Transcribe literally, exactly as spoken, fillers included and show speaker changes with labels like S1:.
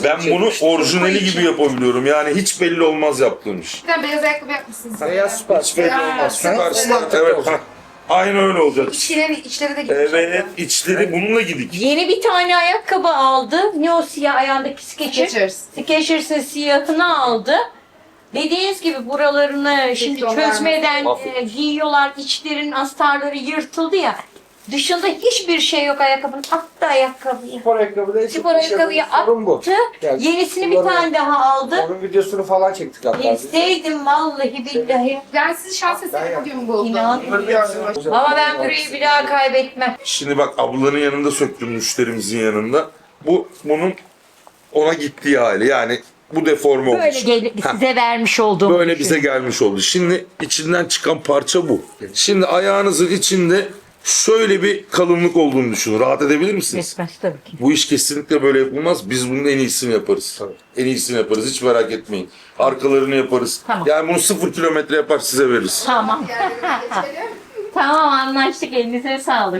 S1: Ben bunu orijinali gibi yapabiliyorum. Yani hiç belli olmaz yaptığım iş.
S2: Bir tane beyaz ayakkabı yapmışsınız.
S3: Beyaz süper.
S1: Hiç belli
S2: Ya,
S1: olmaz.
S2: süper.
S1: Süpersin. Evet. hah. Aynen öyle olacak.
S2: İçleri, içleri de gitmiş.
S1: Evet, içleri bununla gidik.
S4: Yeni bir tane ayakkabı aldı. Ne o siyah ayağındaki Skechers?
S2: Skechers.
S4: Skechers'ın siyahını aldı. Dediğiniz gibi buralarını şimdi
S2: Tekrar
S4: çözmeden
S1: Aferin.
S4: e, giyiyorlar. İçlerin astarları yırtıldı ya. Dışında hiçbir şey yok ayakkabının. Attı ayakkabıyı.
S3: Spor ayakkabı değil.
S4: Spor ayakkabıyı
S3: Sorun bu.
S4: attı.
S3: Yani
S4: Yenisini bir
S3: bunları-
S4: tane daha aldı.
S3: Onun videosunu falan çektik hatta. biz.
S4: İsteydim vallahi billahi.
S2: Ben sizi şans
S3: Ben
S2: eseri bugün buldum.
S4: İnan. Ama ben burayı bir daha kaybetmem.
S1: Şimdi bak ablanın yanında söktüm, müşterimizin yanında. Bu bunun ona gittiği hali. Yani bu deforme
S4: Böyle
S1: olmuş.
S4: gel- size vermiş olduğum
S1: Böyle bize gelmiş oldu. Şimdi içinden çıkan parça bu. Şimdi ayağınızın içinde şöyle bir kalınlık olduğunu düşünün. Rahat edebilir misiniz?
S4: Resmen tabii ki.
S1: Bu iş kesinlikle böyle yapılmaz. Biz bunun en iyisini yaparız. En iyisini yaparız. Hiç merak etmeyin. Arkalarını yaparız.
S4: Tamam.
S1: Yani bunu sıfır kilometre yapar size veririz.
S4: Tamam.
S2: Yerlerine geçelim.
S4: Tamam anlaştık. Elinize sağlık.